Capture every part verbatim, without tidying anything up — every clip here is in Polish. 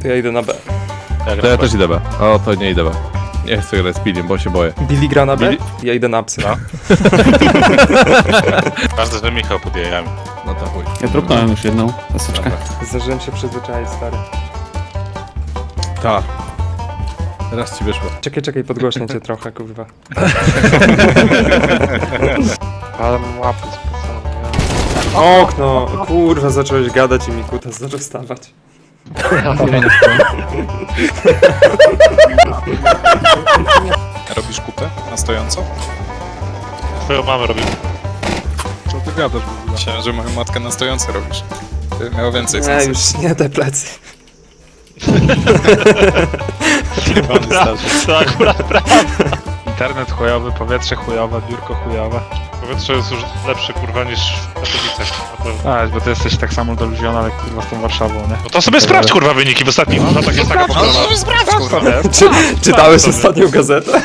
To ja idę na B. To ja też idę B. O, to nie idę B. Nie chcę grać z Billim, bo się boję. Billy gra na B? Billy- Ja idę na psy. Każdy, że Michał pod jajami. No to chuj. Ja dropnąłem już jedną paseczkę. Zdążyłem się przyzwyczaić, stary. Ta. Raz ci wyszło. Czekaj, czekaj, podgłośnię cię trochę, kurwa. Ale mam łapy specjalnie. Okno! Kurwa, zacząłeś gadać i mi kutas zaczął stawać. Robisz kupę na stojąco? Twoją mamę robię. Co ty gadasz w ogóle? Myślałem, że moją matkę na stojąco robisz. Ty miało więcej Nie, sensu. już nie te plecy. To akurat prawda. Internet chujowy, powietrze chujowe, biurko chujowe. Powietrze jest już lepsze kurwa niż w Katowicach. A, bo ty jesteś tak samo deluziona jak kurwa z tą Warszawą, nie? No to sobie sprawdź kurwa wyniki w ostatnich latach jest taka pogoda. No to sprawdź kurwa. Czy, czytałeś ostatnią gazetę?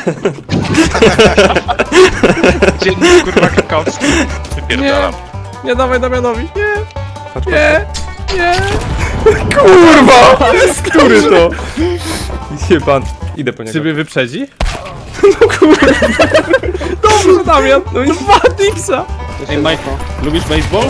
Dziennik kurwa krakowski. Wypierdalam. Nie dawaj Damianowi. Nie. Patrz, Nie. Nie. Kurwa! Który to? Jeban. Idę po niego. Ciebie wyprzedzi? Dobrze, Damian! No i dwa dipsa! Ej, Mike, lubisz baseball?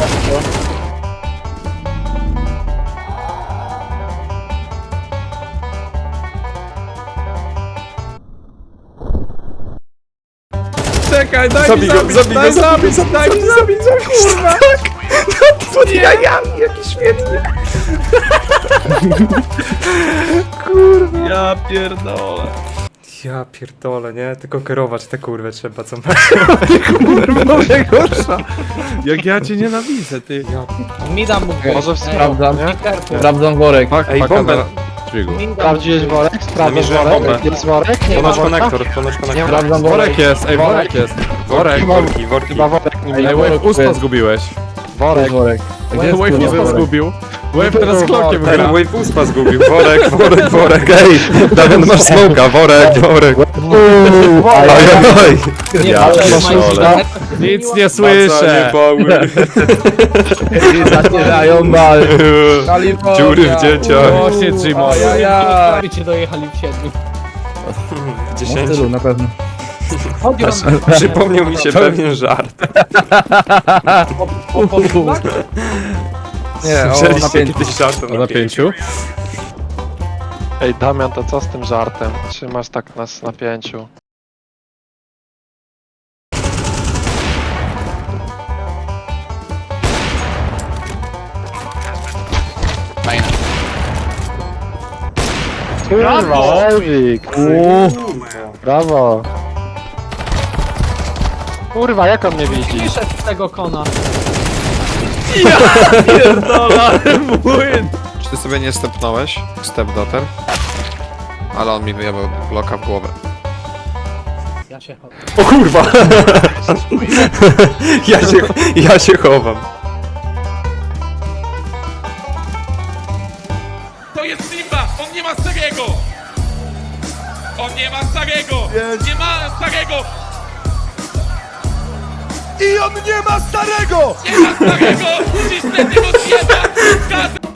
Czekaj, daj Zabij mi go, zabić, zabij go, daj zabij, zabić, zabij, daj mi zabić, kurwa! Tak! Pod jajami, jaki świetny! Ja pierdolę. Ja pierdolę, nie? Tylko kierować te kurwy trzeba, co masz. Kurwa, najgorsza. Jak ja cię nienawidzę, ty. Mi dam mógł. Może Sprawdzam. Sprawdzam worek. Ej, bombę! Dźwigu. Sprawdziłeś worek? Sprawdzisz Namierzyłem bombę. Jest worek? Nie Ponoć ma worka? konektor, ponoć konektor. Sprawdzam Worek jest, ej, worek jest. Worek. Worki, worki. Chyba worek nie Ej, Wave uspa zgubiłeś. Worek. worek. Wave uspa zgubił. Wave teraz z klokiem Ten gra. Wave uspa zgubił. Worek, worek, worek, ej! Damian, masz smoka, worek, worek. Oj, oj, oj. Nie, Ja ale pierdolę. Nic nie słyszę. Zacierają bal. Dziury w dzieciach. Właśnie, Jimo. Ajajaj. Cię dojechali w siedmiu. W dziesięciu. na pewno. Chodź, Przypomniał mi się pewien żart. Nie, o, Słyszeliście napięcie. kiedyś żart O napięciu? Ej, Damian, to co z tym żartem? Trzymasz tak nas na napięciu. Brawo! Ewik! Brawo! Kurwa, jak on mnie widzi? Wyszedł z tego kona. Pierdolę, młyn. Czy ty sobie nie stepnąłeś? Step daughter? Ale on mi wyjebał bloka w głowę. Ja się chodzę. O kurwa! Ja się, ja się chowam. To jest Simba! On nie ma starego! On nie ma starego! Nie ma starego! I on nie ma starego! Nie ma starego! Dziś tego zjeba!